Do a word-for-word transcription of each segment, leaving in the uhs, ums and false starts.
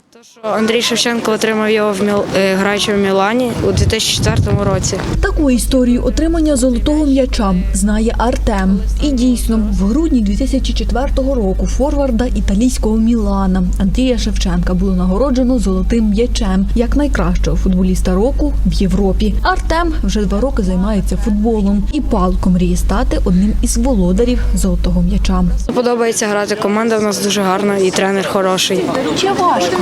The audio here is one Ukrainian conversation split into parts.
То, що Андрій Шевченко отримав його в Міл... граючи в Мілані у дві тисячі четвертому році. Таку історію отримання золотого м'яча знає Артем. І дійсно, в грудні дві тисячі четвертого року форварда італійського Мілана Андрія Шевченка було нагороджено золотим м'ячем як найкращого футболіста року в Європі. Артем вже два роки займається футболом і палко мріє стати одним із володарів золотого м'яча. Подобається грати, команда в нас дуже гарна і тренер хороший. Чи важко?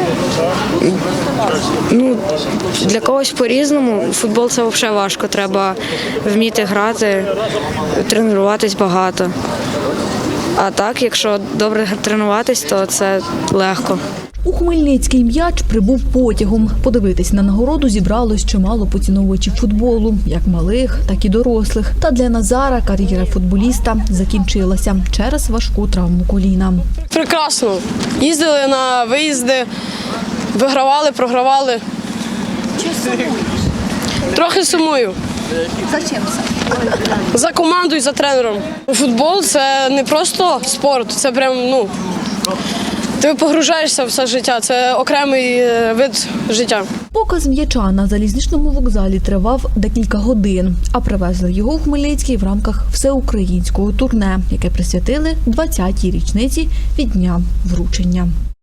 Ну, для когось по-різному. Футбол – це взагалі важко. Треба вміти грати, тренуватись багато. А так, якщо добре тренуватись, то це легко. У Хмельницький м'яч прибув потягом. Подивитись на нагороду зібралось чимало поціновувачів футболу, як малих, так і дорослих. Та для Назара кар'єра футболіста закінчилася через важку травму коліна. Прекрасно. Їздили на виїзди, вигравали, програвали. Трохи сумую. За чим це? За командою, за тренером. Футбол – це не просто спорт, це прям, ну, ти погружаєшся в все життя, це окремий вид життя. Показ м'яча на залізничному вокзалі тривав декілька годин, а привезли його у Хмельницький в рамках всеукраїнського турне, яке присвятили двадцятій річниці від дня вручення.